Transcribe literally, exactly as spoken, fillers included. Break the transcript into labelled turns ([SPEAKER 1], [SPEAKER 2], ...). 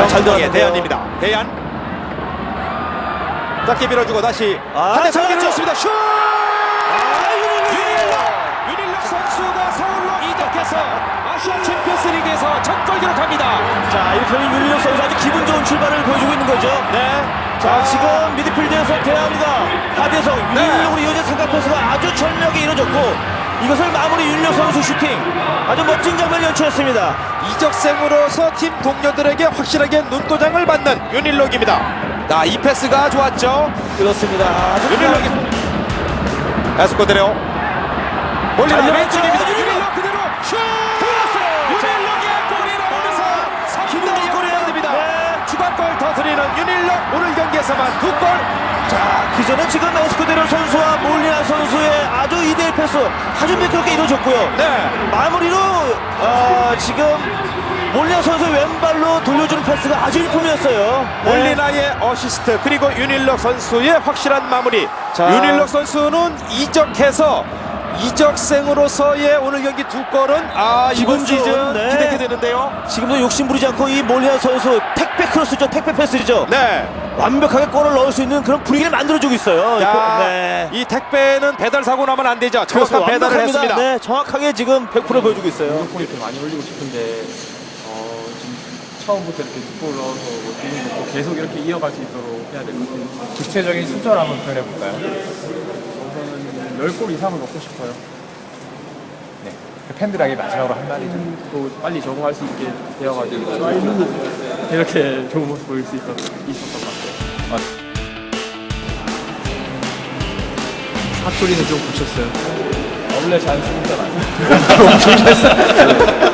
[SPEAKER 1] 잘 들어갔는데요.
[SPEAKER 2] 대안입니다. 대안. 짧게 밀어주고 다시
[SPEAKER 1] 아,
[SPEAKER 2] 한대
[SPEAKER 1] 네,
[SPEAKER 2] 상
[SPEAKER 1] 잘했죠.
[SPEAKER 2] 밀어줬습니다. 슛!
[SPEAKER 1] 아,
[SPEAKER 2] 윤일록! 윤일록 선수가 서울로 이적해서 아시아 챔피언스리그에서 첫 골 기록합니다.
[SPEAKER 1] 자, 이렇게 하면 윤일록 선수 아주 기분 좋은 출발을 보여주고 있는 거죠.
[SPEAKER 2] 네.
[SPEAKER 1] 자, 지금 미드필드에서 대합니다. 하대성
[SPEAKER 2] 네.
[SPEAKER 1] 윤일록으로 이어진 삼각 패스가 아주 철저하게 이루어졌고 이것을 마무리 윤일록 선수 슈팅. 아주 멋진 장면 연출했습니다.
[SPEAKER 2] 이적생으로서 팀 동료들에게 확실하게 눈도장을 받는 윤일록입니다. 자, 이 패스가 좋았죠.
[SPEAKER 1] 그렇습니다. 아주
[SPEAKER 2] 윤일록이 에스코데레오 몰리나
[SPEAKER 1] 자,
[SPEAKER 2] 왼쪽입니다.
[SPEAKER 1] 윤일록!
[SPEAKER 2] 윤일록 그대로 슛! 윤일록의 골이 나오면서 삼 대 영이 됩니다.
[SPEAKER 1] 네.
[SPEAKER 2] 추가골 터뜨리는 윤일록 오늘 경기에서만 두 골.
[SPEAKER 1] 자, 그 전에 지금 에스쿠데로 선수와 몰리나 선수의 아주 이 대 일 패스 아주 매끄럽게 이루어졌고요.
[SPEAKER 2] 네.
[SPEAKER 1] 마무리로 어, 지금 몰리나 선수 왼발로 돌려주는 패스가 아주 일품이었어요. 네.
[SPEAKER 2] 몰리나의 어시스트 그리고 윤일록 선수의 확실한 마무리.
[SPEAKER 1] 자.
[SPEAKER 2] 윤일록 선수는 이적해서 이적생으로서의 오늘 경기 두 골은 아 이번
[SPEAKER 1] 기분 좋은,
[SPEAKER 2] 시즌
[SPEAKER 1] 네.
[SPEAKER 2] 기대게 되는데요.
[SPEAKER 1] 지금도 욕심 부리지 않고 이 몰리나 선수 택배 크로스죠. 택배 패스죠.
[SPEAKER 2] 네.
[SPEAKER 1] 완벽하게 골을 넣을 수 있는 그런 분위기를 만들어주고 있어요.
[SPEAKER 2] 자,
[SPEAKER 1] 네.
[SPEAKER 2] 이 택배는 배달 사고 나면 안 되죠.
[SPEAKER 1] 그렇죠.
[SPEAKER 2] 정확한 배달을
[SPEAKER 1] 완벽합니다.
[SPEAKER 2] 했습니다.
[SPEAKER 1] 네, 정확하게 지금 백 퍼센트 보여주고 있어요.
[SPEAKER 3] 골 이렇게 많이 올리고 싶은데 어, 지금 처음부터 이렇게 두 골 넣어서 뭐 기분 좋고 계속 이렇게 이어갈 수 있도록 해야 될 것 같아요. 구체적인 숫자를 한번 표현해볼까요? 우선은 열 골 이상을 넣고 싶어요. 네. 팬들에게 마지막으로 한 마디 좀 또 빨리 적응할 수 있게 되어가지고 이렇게 좋은 모습 보일 수 있었, 있었던 것 같아요. 아. 사투리는 좀 고쳤어요. 원래 잘 쓰는 줄 알아요.